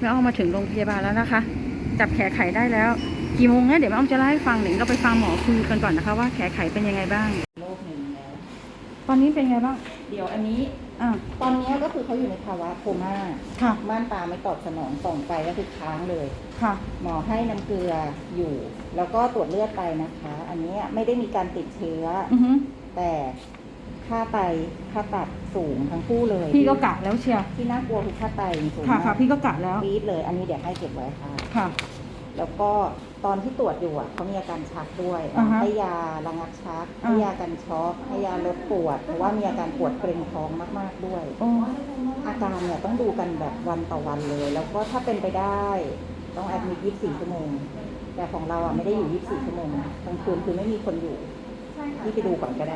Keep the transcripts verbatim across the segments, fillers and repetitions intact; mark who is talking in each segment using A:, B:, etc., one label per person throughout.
A: แม่อ้อมมาถึงโรงพยาบาลแล้วนะคะจับแขนไขได้แล้วกี่โมงนะเดี๋ยวแม่อ้อมจะเล่าให้ฟังหนึ่งเราไปฟังหมอคุยกันก่อนนะคะว่าแขนไขเป็นยังไงบ้าง
B: โรคหนึ่งแล้ว
A: ตอนนี้เป็นไงบ้าง
B: เดี๋ยวอันนี้
A: อ่า
B: ตอนนี้ก็คือเขาอยู่ในภาวะโคม่า
A: ค่ะ
B: ม่านตาไม่ตอบสนองส่องไปก็คือค้างเลย
A: ค่ะ
B: หมอให้น้ำเกลืออยู่ แล้วก็ตรวจเลือดไปนะคะ อันนี้ไม่ได้มีการติดเชื้อ
A: อือฮึ
B: แต่ค่าไตค่าตับสูงทั้งคู่เลย
A: พี่ก็กะแล้วเชียว
B: ที่น่ากลัวคือค่าไตสูง
A: ค่ะ
B: มาก
A: ค่ะพี่ก็กะแล้ว
B: ปี๊ดเลย อันนี้เดี๋ยวให้เก็บไว้ค่ะ
A: ค่ะ
B: แล้วก็ตอนที่ตรวจอยู่อ่ะเขามีอาการชักด้วยให้ยาระงับชักให้ยากันช็อกให้ยาลดปวดเพราะว่ามีอาการปวดเกร็งท้องมากๆด้วยอาการเนี่ยต้องดูกันแบบวันต่อวันเลย แล้วก็ถ้าเป็นไปได้ต้องแอดมิทยี่สิบสี่ชั่วโมงแต่ของเราอ่ะไม่ได้อยู่ยี่สิบสี่ชั่วโมงกลางคืนคือไม่มีคนอยู่ที่ไปดูก่อนก็ได้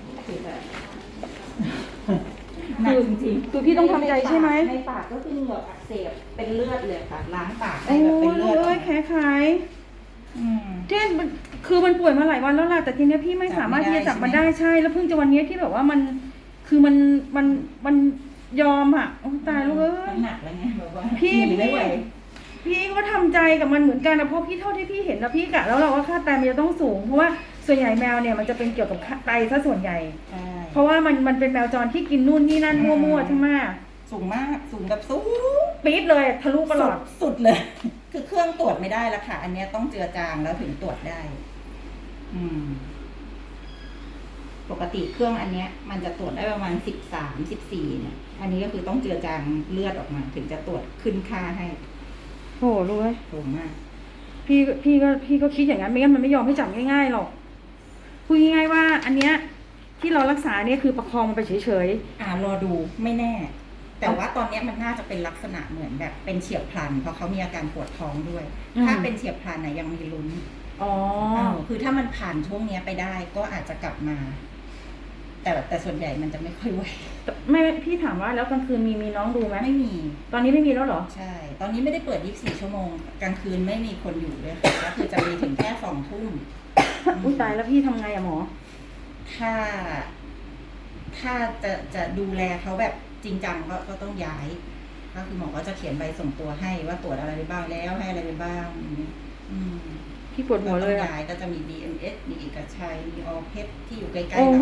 B: หนักจริงๆ
A: คือพี่ต้องทำใจใช่ไหม
B: ในปากก็คือเหงือกอักเสบเป็นเลือดเลยค่ะล้างปาก
A: ให้แบบเป็นเลือดโอ้ยแขนไขเช่นคือมันป่วยมาหลายวันแล้วล่ะแต่ทีนี้พี่ไม่สามารถที่จะจับมันได้ใช่แล้วเพิ่งจะวันนี้ที่แบบว่ามันคือมันมันมันยอมอ่ะโอ้ตายลูกเอ้ย
B: หนักแล้วไงแบบว่า
A: พี่พี่พี่ก็ทำใจกับมันเหมือนกันนะเพราะพี่เท่าที่พี่เห็นแล้วพี่กะแล้วเราว่าค่าไตมันจะต้องสูงเพราะว่าส่วนใหญ่แมวเนี่ยมันจะเป็นเกี่ยวกับไตซะส่วนใหญ่เพราะว่ามันมันเป็นแมวจรที่กินนู่นนี่นั่นมั่วๆใช่ไหม
B: สูงมากสูงแบบสูง
A: ปี๊ดเลยทะลุประหลอด
B: สุดเลยคือเครื่องตรวจไม่ได้แล้วค่ะอันนี้ต้องเจือจางแล้วถึงตรวจได้อืมปกติเครื่องอันเนี้ยมันจะตรวจได้ประมาณสิบสามสิบสี่เนี่ยอันนี้ก็คือต้องเจือจางเลือดออกมาถึงจะตรวจขึ้นค่าให้
A: โอ้รู้ไหม
B: สูงมาก
A: พี่พี่ก็พี่ก็คิดอย่างนั้นไม่งั้นมันไม่ยอมให้จับง่ายๆหรอกพูดง่ายๆว่าอันเนี้ยที่เรารักษาเนี่ยคือประคองมันไปเฉย
B: ๆอ่ารอดูไม่แน่แต่ว่าตอนนี้มันน่าจะเป็นลักษณะเหมือนแบบเป็นเฉียบพลันเพราะเขามีอาการปวดท้องด้วยถ้าเป็นเฉียบพลันนะยังมีลุ้น
A: อ๋อ
B: คือถ้ามันผ่านช่วงนี้ไปได้ก็อาจจะกลับมาแต่แต่ส่วนใหญ่มันจะไม่ค่อยไหว
A: แม่พี่ถามว่าแล้วกลางคืนมีมีน้องดูไหม
B: ไม่มี
A: ตอนนี้ไม่มีแล้วเหรอ
B: ใช่ตอนนี้ไม่ได้เปิดยี่สิบสี่ชั่วโมงกลางคืนไม่มีคนอยู่เลยก็คือจะมีถึงแค่สองทุ่ม
A: อุ้ยตายแล้วพี่ทำไงอะหมอ
B: ถ้าถ้าจะจะดูแลเขาแบบจริงจังก็ก็ต้องย้ายก็คือหมอก็จะเขียนใบส่งตัวให้ว่าตรวจอะไรไปบ้างแล้วให้อะไรไปบ้างอืม
A: พี่ปวดหัวเลย
B: ย้ายก็จะมี ดี เอ็ม เอส มีเอกชัยมีออเพชรที่อยู่ใกล้ๆเรา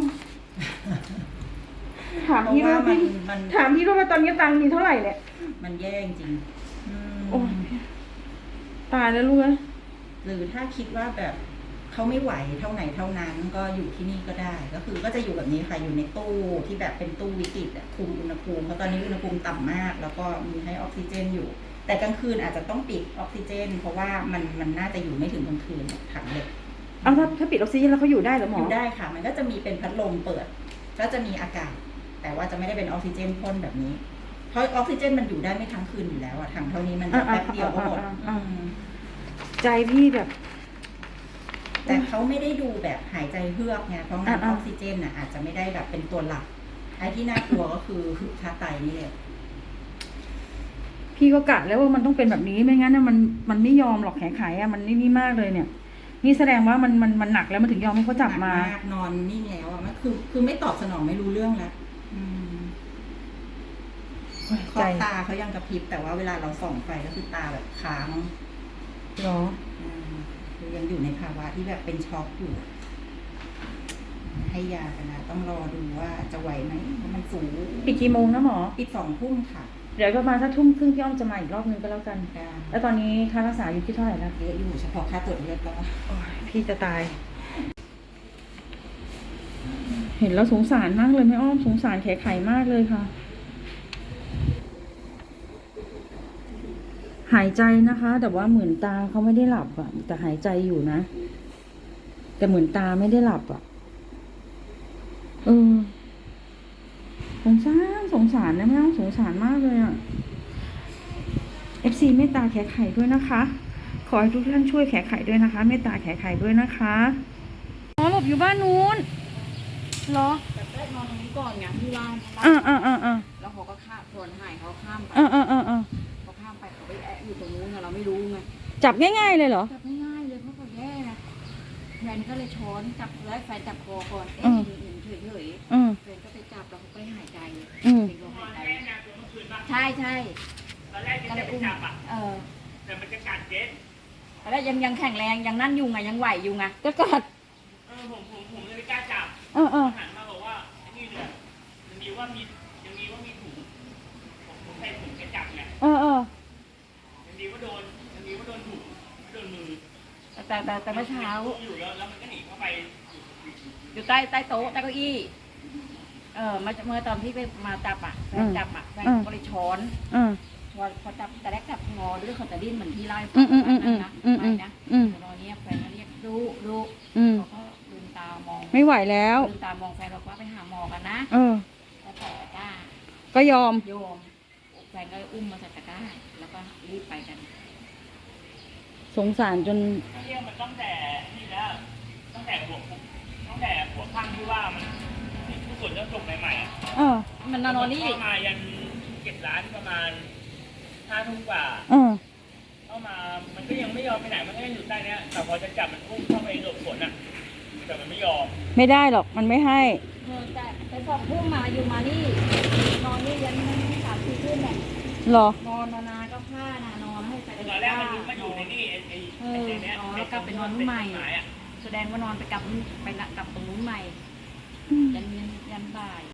A: ถามพี่ว่าพี่ถามพี่ว่าตอนนี้ตังค์มีเท่าไหร่เนี่ย
B: มันแย่จริง
A: โอ้ตายแล้วลูก
B: หรือถ้าคิดว่าแบบเขาไม่ไหวเท่าไหนเท่านั้นก็อยู่ที่นี่ก็ได้ก็คือก็จะอยู่แบบนี้ค่ะอยู่ในตู้ที่แบบเป็นตู้วิกฤตคุมอุณหภูมิเพราะตอนนี้อุณหภูมิต่ำมากแล้วก็มีให้ออกซิเจนอยู่แต่กลางคืนอาจจะต้องปิดออกซิเจนเพราะว่ามันมันน่าจะอยู่ไม่ถึงกลางคืนถังเหล็ก
A: เอาถ้าถ้าปิดออกซิเจนแล้วเขาอยู่ได้หรือหมอ
B: อยู่ได้ค่ะมันก็จะมีเป็นพัดลมเปิดก็จะมีอากาศแต่ว่าจะไม่ได้เป็นออกซิเจนพ่นแบบนี้เพราะออกซิเจนมันอยู่ได้ไม่ทั้งคืนอยู่แล้วอะถังเท่านี้มันจะแป๊บเดียวก็หมด
A: ใจพี่แบบ
B: แต่เขาไม่ได้ดูแบบหายใจเฮือกไงเพราะงั้นออกซิเจนอ่ะอาจจะไม่ได้แบบเป็นตัวหลักไอ้ที่น่ากลัวก็คือค่าไตนี่แหละ
A: พี่ก็กะแล้วว่ามันต้องเป็นแบบนี้ไม่งั้นนะมันมันไม่ยอมหรอกแขนไขอ่ะมันนี่นี่มากเลยเนี่ยนี่แสดงว่ามันมันมันหนักแล้วมันถึงยอมให้เขาจับม
B: านอนนิ่งแล้วอ่ะมันคือคือไม่ตอบสนองไม่รู้เรื่องแล้วขอบตาเขายังกระพริบแต่ว่าเวลาเราส่องไฟก็คือตาแบบค้าง
A: หรอ
B: คือยังอยู่ในภาวะที่แบบเป็นช็อกอยู่ให้ยากันนะต้องรอดูว่าจะไหวไหมเพราะมันสูง
A: ปิดกี่โมงนะหมอ
B: ปิดสองทุ่มค่ะ
A: เดี๋ยวประมาณสักทุ่มครึ่งพี่อ้อมจะมาอีกรอบนึงก็แล้วกันแล้วตอนนี้ค่ารักษาอยู่ที่เท่าไหร่แล้ว
B: เยอะอยู่เฉพาะค่าตรวจเลือดก็
A: พี่จะตายเห็นแล้วสงสารมากเลยแม่อ้อมสงสารแขนไขมากเลยค่ะหายใจนะคะแต่ว่าเหมือนตาเขาไม่ได้หลับอ่ะแต่หายใจอยู่นะแต่เหมือนตาไม่ได้หลับอ่ะเออสงสารสงสารนะแม่สงสารมากเลยอ่ะ เอฟ ซี เมตตาแขนไขด้วยนะคะขอให้ทุกท่านช่วยแขนไขด้วยนะคะเมตตาแขนไขด้วยนะคะอ๋อหลบอยู่บ้านนู้นเหรอ
C: แต่ได้นอนตรงนี้ก่อนไงที่ร้าน
A: อ่าอ่าอ่าอ่า
C: แล้วเขาก็ข้ามส่วนหายเขาข้ามไป
A: อ่าอ่าอ่าอ่า
C: เขาข้ามไปเขาไปแอะอยู่ตรงนู้นเราไม่รู้ไง
A: จับง่ายๆเลยเหรอ
C: จับง่ายๆเลยเพราะเขาแย่นะแฟนก็เลยช้อนจับแล้วแฟนจับคอก่อนเอ๊ะหนึ่งเฉยๆแฟนก็ไปจับแล้วเขาไปหายใจเป็นลมหายใจใช่ใช่
D: ตอนแรกเจ๊
C: ก็เล
D: จะ
C: ย
D: ไป
C: อุ้ม
D: จับอ่ะ
C: เออ
D: แต่มันจะกัดเจ๊
C: ตอนแรกยังยังแข็งแรงยังนั่นอยู่ไงยังไหวอยู่ไง
A: จะกัด
D: เออผมผมผมเลยไม่กล้าจับ
A: เออเออ
D: หันมาบอกว่าไอ้นี่เนี่ยยังดีว่ามียังดีว่ามีถุงผมผมใส่ถุงแค่จับไง
A: เออเออ
D: ยังดีว่าโดนยังดีว่าโดนถุงไม่โดนมือ
C: แต่แต่แต่แต่เมื่อเช้า
D: อยู่แล้วแล้วมันก็หนีเข้าไป
C: อยู่ใต้ใต้โต๊ะใต้เก้าอี้ เออมาเมื่อตอนที่ไปมาจับอ่ะแฟนจับอ่ะแฟนก็เลยช้อน
A: เออ
C: พอพอจับแต่แรกจับงอหรือเขาจะดิ้นเหมือนที่ไล่
A: อืมอืมอืมอืม
C: นะ
A: อืม
C: ไม่นะ
A: อืม
C: ตอนนี้แฟนก็เรียกดูดู
A: อืม
C: เขาก็ลืมตามอง
A: ไม่ไหวแล้ว
C: ลืมตามองแฟนบอกว่าไปหาหมอกันนะ
A: เออ
C: แล้วแต่จ้า
A: ก็ยอม
C: โยมแฟนก็อุ้มมาใส่ตะกร้าแล้วก็รีบไปกัน
A: สงสารจน
D: เรียกมันตั้งแต่นี่แล้วตั้งแต่หัวตั้งแต่หัวข้างที่ว่ามันที่ผู้ส่วนเรื่องจบใหม่ๆอ่ะ
A: เออ
C: มันนอนนี่
D: เข้ามายันเก็บร้านประมาณห้าทุ่มกว่า
A: เออ
D: เข้ามามันก็ยังไม่ยอมไปไหนมันก็ยังอยู่ใต้เนี้ยแต่พอจะจับมันอุ้มเข้าไปหลบฝนอ่ะแต่มันไม่ยอม
A: ไม่ได้หรอก มันไม่ให้
C: เออแต่แต่สองทุ่มมาอยู่มานี่นอนนี่ยันสามสี่ทุ่มเนี่ย
A: หรอ
C: นอนนานๆก็ผ้านะนอนให้ใส่
D: ตอนแรกมันมาอยู่ในนี่ไอ้ไอ้
C: เอ
D: ไอ้
C: อ
D: ในเนี้ย
C: อ๋อแล้วกลับไปนอนนู่นใหม่
D: เป็นต้นไม้อะ
C: แสดงว่านอนไปกลับไปละกลับตรงนู้นใหม่ยันยันยันบ่าย